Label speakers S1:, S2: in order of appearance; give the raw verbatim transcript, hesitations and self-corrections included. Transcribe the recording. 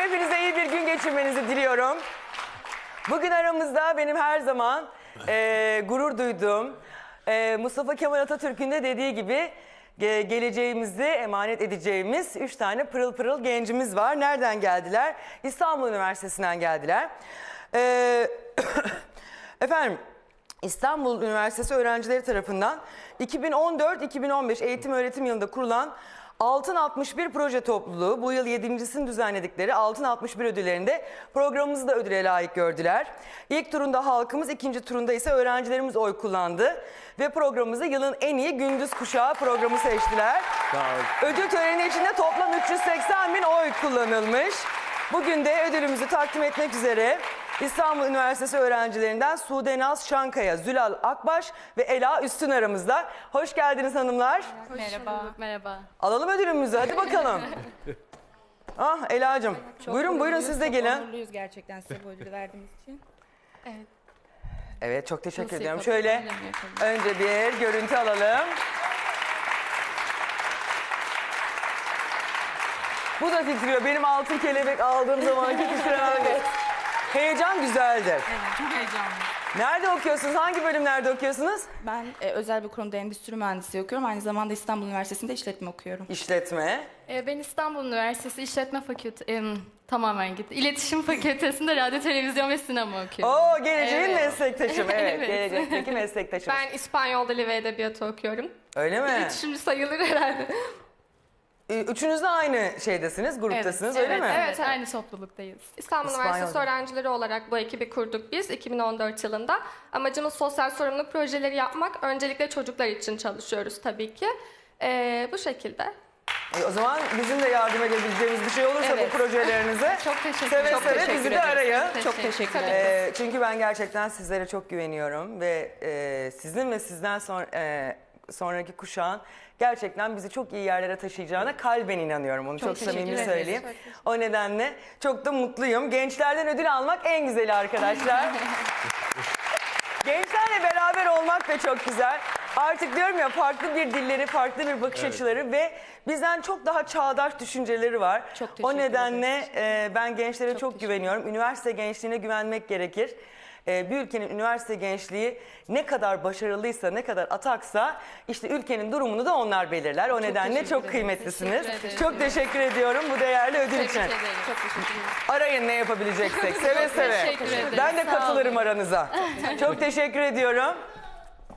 S1: hepinize iyi bir gün geçirmenizi diliyorum. Bugün aramızda benim her zaman e, gurur duyduğum e, Mustafa Kemal Atatürk'ün de dediği gibi ge geleceğimizi emanet edeceğimiz üç tane pırıl pırıl gencimiz var. Nereden geldiler? İstanbul Üniversitesi'nden geldiler. E, efendim İstanbul Üniversitesi öğrencileri tarafından iki bin on dört iki bin on beş eğitim öğretim yılında kurulan Altın altmış bir proje topluluğu bu yıl yedincisini düzenledikleri Altın altmış bir ödüllerinde programımızı da ödüle layık gördüler. İlk turunda halkımız, ikinci turunda ise öğrencilerimiz oy kullandı. Ve programımızı yılın en iyi gündüz kuşağı programı seçtiler. Ödül töreni içinde toplam üç yüz seksen bin oy kullanılmış. Bugün de ödülümüzü takdim etmek üzere İstanbul Üniversitesi öğrencilerinden Sude Naz Şankaya, Zülal Akbaş ve Ela Üstün aramızda. Hoş geldiniz hanımlar.
S2: Hoş merhaba. Bulduk, merhaba.
S1: Alalım ödülümüzü, hadi bakalım. Ah Ela'cığım, buyurun buyurun siz de gelin.
S3: Çok onurluyuz gerçekten size bu ödülü verdiğimiz için.
S2: Evet.
S1: Evet, çok teşekkür
S2: Nasıl
S1: ediyorum.
S2: yapalım,
S1: Şöyle önce bir görüntü alalım. Bu da titriyor. Benim altın kelebek aldığım zamanki titremen. Heyecan güzeldir.
S2: Evet, çok heyecanlı.
S1: Nerede okuyorsunuz? Hangi bölümlerde okuyorsunuz?
S3: Ben e, özel bir kurumda endüstri mühendisliği okuyorum. Aynı zamanda İstanbul Üniversitesi'nde işletme okuyorum.
S1: İşletme.
S2: Ee, ben İstanbul Üniversitesi İşletme Fakültesi, e, tamamen gitti. İletişim Fakültesi'nde radyo, televizyon ve sinema okuyorum.
S1: Oo, geleceğin
S2: Evet.
S1: meslektaşım. Evet,
S2: Evet.
S1: gelecekteki meslektaşım.
S4: Ben İspanyol Dili ve Edebiyatı okuyorum.
S1: Öyle mi?
S4: İletişimci sayılır herhalde.
S1: Üçünüz de aynı şeydesiniz, gruptasınız öyle
S2: evet,
S1: mi?
S2: Evet, aynı topluluktayız.
S4: İstanbul
S1: İspanyol
S4: Üniversitesi
S1: Dili.
S4: öğrencileri olarak bu ekibi kurduk biz iki bin on dört yılında. Amacımız sosyal sorumluluk projeleri yapmak. Öncelikle çocuklar için çalışıyoruz tabii ki. Ee, bu şekilde.
S1: E, o zaman bizim de yardım edebileceğimiz bir şey olursa
S4: Evet.
S1: bu projelerinize
S2: Çok teşekkür
S1: seve
S2: ederim.
S1: seve
S3: teşekkür
S1: bizi de
S3: ederiz.
S1: arayın.
S3: Çok teşekkür ederim.
S1: E, çünkü ben gerçekten sizlere çok güveniyorum ve e, sizin ve sizden sonra, e, sonraki kuşağın gerçekten bizi çok iyi yerlere taşıyacağına kalben inanıyorum. Onu çok,
S2: Çok teşekkür
S1: samimi
S2: ederiz.
S1: söyleyeyim. O nedenle çok da mutluyum. Gençlerden ödül almak en güzeli arkadaşlar. Gençlerle beraber olmak da çok güzel. Artık diyorum ya, farklı bir dilleri, farklı bir bakış açıları ve bizden çok daha çağdaş düşünceleri var.
S3: Çok teşekkür
S1: O nedenle
S3: ederiz.
S1: e, ben gençlere çok,
S3: teşekkür
S1: güveniyorum. Üniversite gençliğine güvenmek gerekir. E, bir ülkenin üniversite gençliği ne kadar başarılıysa, ne kadar ataksa işte ülkenin durumunu da onlar belirler. O nedenle
S2: teşekkür
S1: çok
S2: ederim.
S1: kıymetlisiniz.
S2: Teşekkür ederim.
S1: Çok teşekkür ediyorum bu değerli ödül
S2: Tebrik
S1: için.
S2: ederim.
S3: Çok teşekkür ederim.
S1: Arayın ne yapabileceksek, seve seve.
S2: teşekkür ederim.
S1: Ben de
S2: Sağ
S1: katılırım
S2: olun.
S1: aranıza. Çok teşekkür ediyorum.